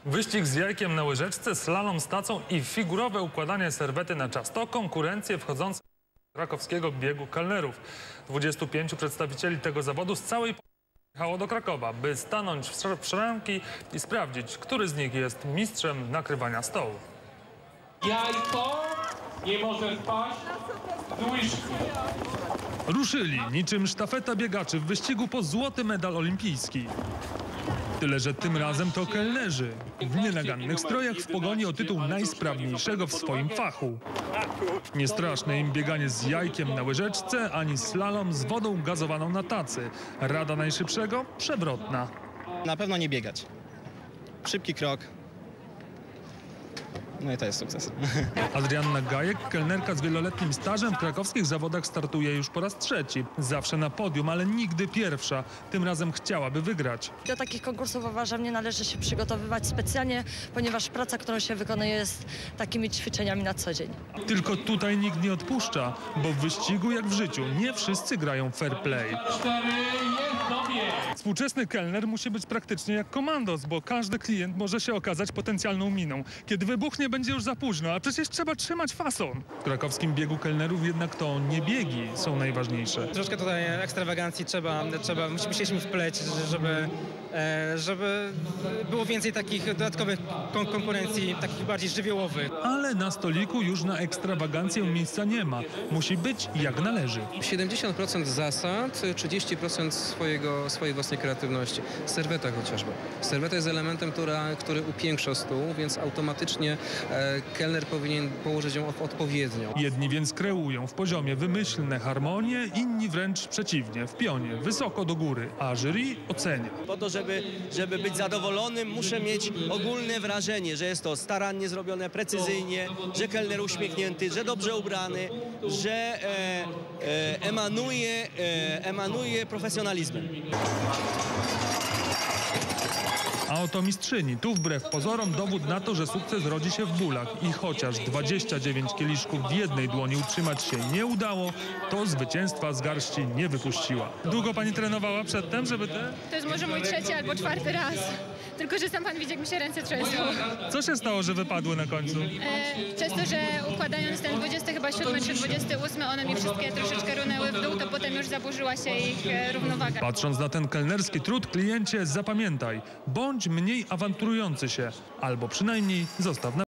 Wyścig z jajkiem na łyżeczce, slalom z tacą i figurowe układanie serwety na czas to konkurencje wchodzące do krakowskiego biegu kelnerów. 25 przedstawicieli tego zawodu z całej Polski jechało do Krakowa, by stanąć w szranki i sprawdzić, który z nich jest mistrzem nakrywania stołu. Jajko nie może spaść z łyżki. Ruszyli niczym sztafeta biegaczy w wyścigu po złoty medal olimpijski. Tyle, że tym razem to kelnerzy w nienagannych strojach w pogoni o tytuł najsprawniejszego w swoim fachu. Nie straszne im bieganie z jajkiem na łyżeczce, ani slalom z wodą gazowaną na tacy. Rada najszybszego? Przewrotna. Na pewno nie biegać. Szybki krok. No i to jest sukces. Adrianna Gajek, kelnerka z wieloletnim stażem, w krakowskich zawodach startuje już po raz trzeci. Zawsze na podium, ale nigdy pierwsza. Tym razem chciałaby wygrać. Do takich konkursów uważam, nie należy się przygotowywać specjalnie, ponieważ praca, którą się wykonuje, jest takimi ćwiczeniami na co dzień. Tylko tutaj nikt nie odpuszcza, bo w wyścigu jak w życiu nie wszyscy grają fair play. 4 jest dobie. Współczesny kelner musi być praktycznie jak komandos, bo każdy klient może się okazać potencjalną miną. Kiedy wybuchnie, będzie już za późno, a przecież trzeba trzymać fason. W krakowskim biegu kelnerów jednak to nie biegi są najważniejsze. Troszkę tutaj ekstrawagancji musieliśmy wpleć, żeby było więcej takich dodatkowych konkurencji, takich bardziej żywiołowych. Ale na stoliku już na ekstrawagancję miejsca nie ma. Musi być jak należy. 70% zasad, 30% swojej własnej kreatywności. Serweta chociażby. Serweta jest elementem, który upiększa stół, więc automatycznie kelner powinien położyć ją odpowiednio. Jedni więc kreują w poziomie wymyślne harmonie, inni wręcz przeciwnie, w pionie, wysoko do góry, a jury ocenia. Po to, żeby być zadowolonym, muszę mieć ogólne wrażenie, że jest to starannie zrobione, precyzyjnie, że kelner uśmiechnięty, że dobrze ubrany, że emanuje profesjonalizmem. A oto mistrzyni. Tu wbrew pozorom dowód na to, że sukces rodzi się w bólach. I chociaż 29 kieliszków w jednej dłoni utrzymać się nie udało, to zwycięstwa z garści nie wypuściła. Długo pani trenowała przedtem, żeby te... To jest może mój 3. albo 4. raz. Tylko, że sam pan widzi, jak mi się ręce trzęsą. Co się stało, że wypadły na końcu? Przez to, że układając ten 27 czy 28, one mi wszystkie troszeczkę runęły w dół, to potem już zaburzyła się ich równowaga. Patrząc na ten kelnerski trud, kliencie, zapamiętaj, bądź mniej awanturujący się, albo przynajmniej zostaw na